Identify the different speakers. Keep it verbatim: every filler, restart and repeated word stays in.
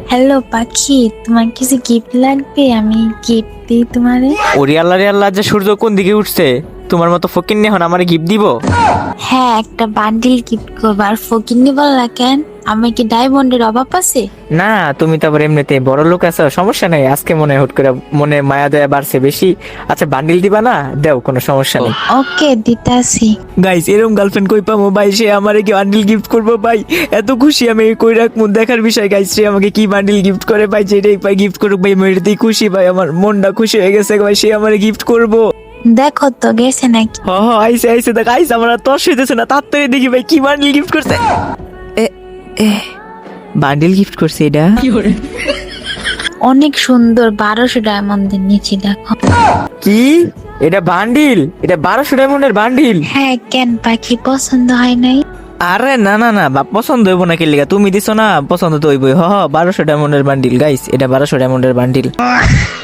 Speaker 1: Hello পাখি, তোমার কিছু গিফট লাগবে? আমি গিফট দিই তোমারে।
Speaker 2: ওরে আল্লাহ রে আল্লাহ, যে সূর্য কোন দিকে উঠছে? তোমার মতো ফকিন্নি এখন আমারে গিফট দিব?
Speaker 1: হ্যাঁ, একটা বান্ডিল গিফট করবো। আর ফকিন্নি বললা কেন? আমি কি ডায়মন্ডের অভাব আছে?
Speaker 2: না, তুমি তো আবার এমনিতে বড় লোক আছো, সমস্যা নাই। আজকে মনে হয় হুট করে মনে মায়া দয়া বাড়ছে বেশি। আচ্ছা, বান্ডিল দিবা না? দেও, কোনো সমস্যা নেই।
Speaker 1: ওকে, দিতাছি।
Speaker 2: গাইস, এরকম গার্লফ্রেন্ড কই পামো ভাই? সে আমারে কি বান্ডিল গিফট করবো ভাই? এত খুশি আমি, কই রাখবো দেখার বিষয়। গাইস, সে আমাকে কি বান্ডিল গিফট করে ভাই? যেটাই পাই গিফট করুক ভাই, আমি এটাতেই খুশি ভাই। আমার মনটা খুশি হয়ে গেছে ভাই, সে আমারে গিফট করবো।
Speaker 1: দেখো তো গেছে নাকি।
Speaker 2: হ হ, আইসে আইসে দেখ, আইসে। আমার আর তর্স হইতেছে না, তাড়াতাড়ি দেখি ভাই কি বান্ডিল গিফট করছে। এ এ বান্ডিল গিফট করছে এটা?
Speaker 1: অনেক সুন্দর, বারোশো ডায়মন্ডের নিচে দেখো।
Speaker 2: কি? এটা বান্ডিল? এটা বারোশো ডায়মন্ডের বান্ডিল?
Speaker 1: হ্যাঁ, কেন পাখি পছন্দ হয় নাই?
Speaker 2: আরে না না না বা, পছন্দ হইব না কিলিগা? তুমি দিছো না, পছন্দ তো হইবই। হ হ, বারোশো ডায়মন্ডের বান্ডিল। গাইস, এটা বারোশো ডায়মন্ডের বান্ডিল।